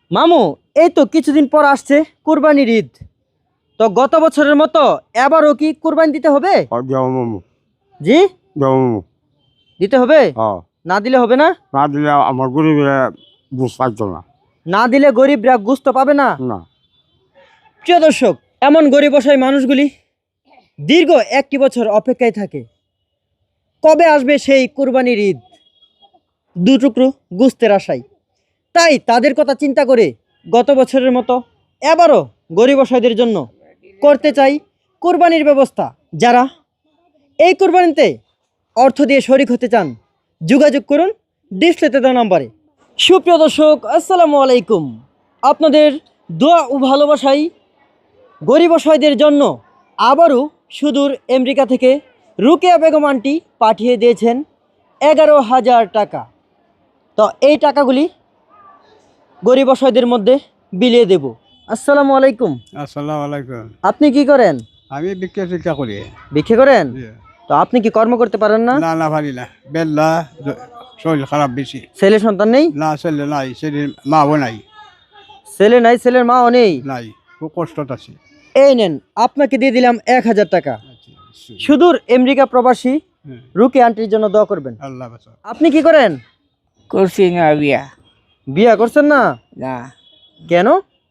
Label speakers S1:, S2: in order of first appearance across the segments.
S1: মামু, এই তো কিছুদিন পর আসছে কুরবানির ঈদ। তো গত বছরের মতো এবারও কি কুরবানি দিতে হবে?
S2: যাও মামু,
S1: জি,
S2: যাও মামু।
S1: দিতে হবে।
S2: হ্যাঁ,
S1: না দিলে হবে না?
S2: না দিলে আমার গরিবের বুঝ পাইতো না।
S1: না দিলে গরিবরা গোস্ত পাবে না।
S2: না,
S1: প্রিয় দর্শক, এমন গরিব অসহায় মানুষগুলি দীর্ঘ একটি বছর অপেক্ষায় থাকে কবে আসবে সেই কুরবানির ঈদ, দু টুকরো গোস্তের আশায়। তাই তাদের কথা চিন্তা করে গত বছরের মতো এবারও গরিব অসহায়দের জন্য করতে চাই কুরবানির ব্যবস্থা। যারা এই কুরবানিতে অর্থ দিয়ে শরিক হতে চান, যোগাযোগ করুন ডিসপ্লেতে দেওয়া নাম্বারে। সুপ্রিয় দর্শক, আসসালামু আলাইকুম। আপনাদের দোয়া ও ভালোবাসাই গরিব অসহায়দের জন্য আবারও সুদূর আমেরিকা থেকে রুকেয়া বেগম আন্টি পাঠিয়ে দিয়েছেন 11,000 টাকা। তো এই টাকাগুলি গরিব অসহায়দের মধ্যে বিলিয়ে দেব। আসসালামু আলাইকুম।
S3: আসসালামু আলাইকুম।
S1: আপনি কি করেন?
S3: আমি ভিক্ষা করি।
S1: ভিক্ষে করেন? তো আপনি কি কর্ম করতে পারেন না?
S3: না না পারি না, বেল্লা শরীর খারাপ বেশি।
S1: ছেলে সন্তান নেই?
S3: না ছেলে নাই, ছেলের মাও নাই।
S1: ছেলে নাই, ছেলের মাও নেই?
S3: নাই, খুব কষ্টত আছে।
S1: এই নেন, আপনাকে দিয়ে দিলাম 1,000 টাকা। সুদূর আমেরিকা প্রবাসী
S3: হ্যাঁ,
S1: রুকে আন্টির জন্য দোয়া করবেন।
S3: আল্লাহ বাঁচাও।
S1: আপনি কি করেন?
S4: করছি না বিয়া।
S1: বিয়া করছেন না?
S4: না,
S1: কেন?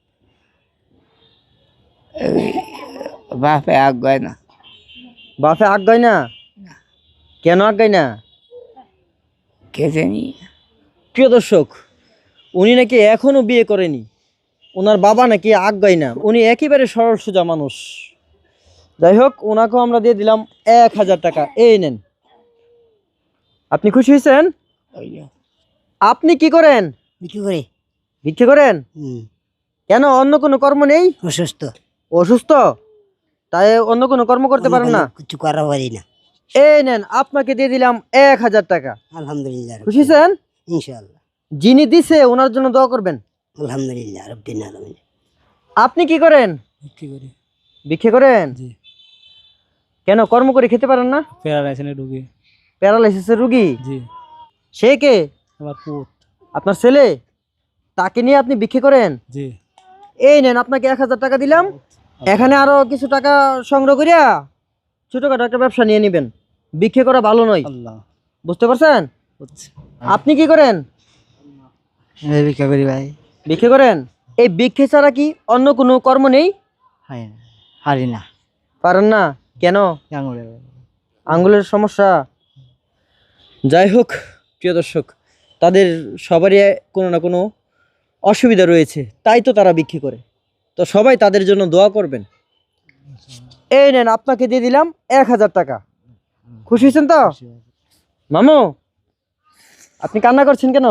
S4: বাপে আগায় না।
S1: বাপে আজ্ঞায় না? কেন আজ্ঞায় না?
S4: কে জানি।
S1: প্রিয় দর্শক, উনি নাকি এখনো বিয়ে করেনি। ওনার বাবা নাকি আজ্ঞায় না। উনি একেবারে সরল সোজা মানুষ। যাই হোক, ওনাকেও আমরা দিয়ে দিলাম 1,000 টাকা। এই নেন। আপনি খুশি হয়েছেন? আপনি কি করেন?
S5: বিক্রি করে
S1: ভিক্ষে করেন? কেন, অন্য কোনো কর্ম নেই?
S5: অসুস্থ,
S1: অসুস্থ, তাই অন্য কোনো কর্ম করতে পারেন না?
S5: কিছু করা পারি না।
S1: এই নেন, আপনাকে দিয়ে দিলাম 1,000 টাকা।
S5: আলহামদুলিল্লাহ,
S1: খুশি হয়েছেন?
S5: ইনশাআল্লাহ।
S1: যিনি দিছে ওনার জন্য দোয়া করবেন।
S5: আলহামদুলিল্লাহ রব্বিল আলামিন।
S1: আপনি কি করেন?
S5: বিক্রি করে
S1: ভিক্ষে করেন?
S5: জি।
S1: কেন, কর্ম করে খেতে পারেন না?
S5: প্যারালাইসিসের রোগী।
S1: প্যারালাইসিসের রুগী?
S5: জি।
S1: সে কে?
S5: আমার পুত।
S1: আপনার ছেলে? তাকে নিয়ে আপনি ভিক্ষে করেন?
S5: জি।
S1: এই নেন, আপনাকে 1,000 টাকা দিলাম। এখানে আরো কিছু টাকা সংগ্রহ করিয়া ছোটখাটো একটা ব্যবসা নিয়ে নেবেন। ভিক্ষে করা ভালো নয়,
S5: আল্লাহ
S1: বুঝতে পারছেন? আপনি কি করেন?
S5: বিক্রি করি ভাই।
S1: ভিক্ষে করেন? এই ভিক্ষে ছাড়া কি অন্য কোনো কর্ম নেই?
S5: হয় না, হারি না।
S1: পারেন না কেন?
S5: আঙুলে
S1: আঙ্গুলের সমস্যা? যাই হোক প্রিয় দর্শক, তাদের সবারই কোনো না কোনো অসুবিধা রয়েছে, তাই তো তারা ভিক্ষে করে। তো সবাই তাদের জন্য দোয়া করবেন। এই নেন, আপনাকে দিয়ে দিলাম 1,000 টাকা। খুশি হয়েছেন তো? মামু, আপনি কান্না করছেন কেন?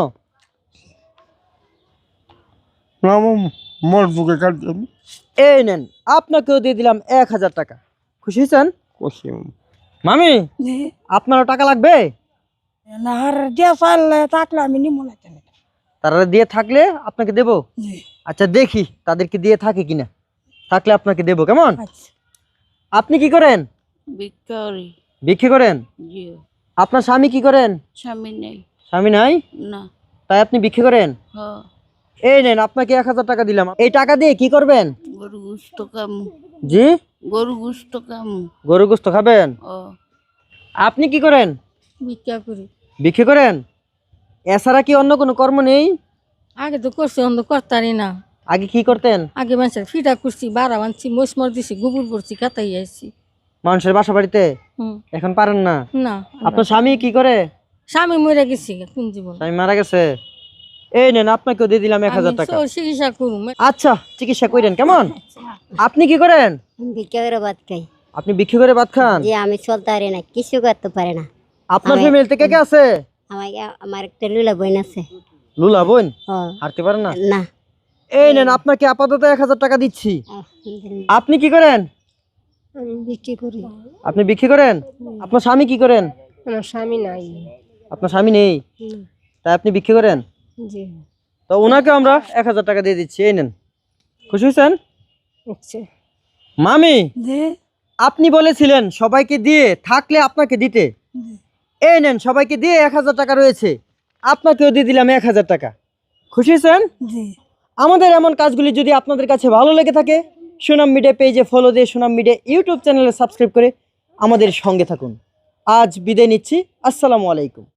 S2: না মামু, মোর বুকে কাটছি আমি।
S1: এই নেন, আপনাকেও দিয়ে দিলাম 1,000 টাকা। খুশি হয়েছেন?
S2: করছি মামু।
S1: মামি, আপনারও টাকা লাগবে?
S6: আর যে চাইলে থাকলে আমি নিমু না কেন।
S1: তারা দিয়ে থাকলে আপনাকে দেব। আচ্ছা, দেখি তাদেরকে দিয়ে থাকে কিনা। থাকলে আপনাকে দেব, কেমন?
S6: আচ্ছা।
S1: আপনি কি করেন?
S7: ভিক্ষারি।
S1: ভিক্ষে করেন?
S7: জি।
S1: আপনার স্বামী কি করেন?
S7: স্বামী নেই।
S1: স্বামী নাই,
S7: না।
S1: তাই আপনি ভিক্ষে করেন?
S7: হ।
S1: এই নেন, আপনাকে 1,000 টাকা দিলাম। এই টাকা দিয়ে কি করবেন?
S7: গরু গুস্ত কামু।
S1: জি,
S7: গরু গুস্ত কামু।
S1: গরু গোস্ত খাবেন?
S7: ও।
S1: আপনি কি করেন?
S6: ভিক্ষা করি।
S1: ভিক্ষে করেন? এছাড়া কি অন্য কোনো কর্ম নেই?
S6: আগে তো করছি, অন্য করতারি না।
S1: আগে কি করতেন?
S6: আগে মানুষের ফিটা করছি, বাড়া বানছি, মসমর দিছি, গোবর করছি, কাতাই আইছি।
S1: মানুষের বাসা বাড়িতে?
S6: হুম।
S1: এখন পারেন না?
S6: না,
S1: আপনার স্বামী কি করে?
S6: স্বামী মরে গেছি কোন জীবন।
S1: স্বামী মারা গেছে। এই নেন, আপনাকেও দিয়ে দিলাম 1,000 টাকা।
S6: চিকিৎসা করুম।
S1: আচ্ছা, চিকিৎসা করেন, কেমন? আপনি কি করেন?
S5: বিক্রি করে ভাত খাই।
S1: আপনি ভিক্ষে করে ভাত খান?
S5: যে আমি চলতে পারি না, কিছু করতে পারে না।
S1: আপনার ফ্যামিলিতে কে কে আছে?
S5: আমার একটা লুলা বোন আছে।
S1: লুলা বোন?
S5: ও
S1: হাঁটতে পারেন না?
S5: না।
S1: এই নেন, আপনাকে আপাতত 1,000 টাকা দিচ্ছি।
S5: আলহামদুলিল্লাহ।
S1: আপনি কি করেন?
S5: আমি বিক্রি করি।
S1: আপনি বিক্রি করেন? আপনার স্বামী কি করেন?
S5: আমার স্বামী নাই।
S1: আপনার স্বামী নেই, তাই আপনি বিক্রি করেন?
S5: জি।
S1: তো ওনাকে আমরা 1,000 টাকা দিয়ে দিচ্ছি। এই নেন। খুশি হয়েছেন?
S5: আচ্ছা।
S1: মামি,
S6: যে
S1: আপনি বলেছিলেন সবাইকে দিয়ে থাকলে আপনাকে দিতে। এই নেন, সবাইকে দিয়ে 1,000 টাকা রয়েছে, আপনাকেও দিয়ে দিলাম 1,000 টাকা। খুশি হয়েছেন?
S6: জি।
S1: আমাদের এমন কাজগুলি যদি আপনাদের কাছে ভালো লেগে থাকে, সুনাম মিডিয়া পেজে ফলো দিয়ে সুনাম মিডিয়া ইউটিউব চ্যানেলে সাবস্ক্রাইব করে আমাদের সঙ্গে থাকুন। আজ বিদায় নিচ্ছি। আসসালামু আলাইকুম।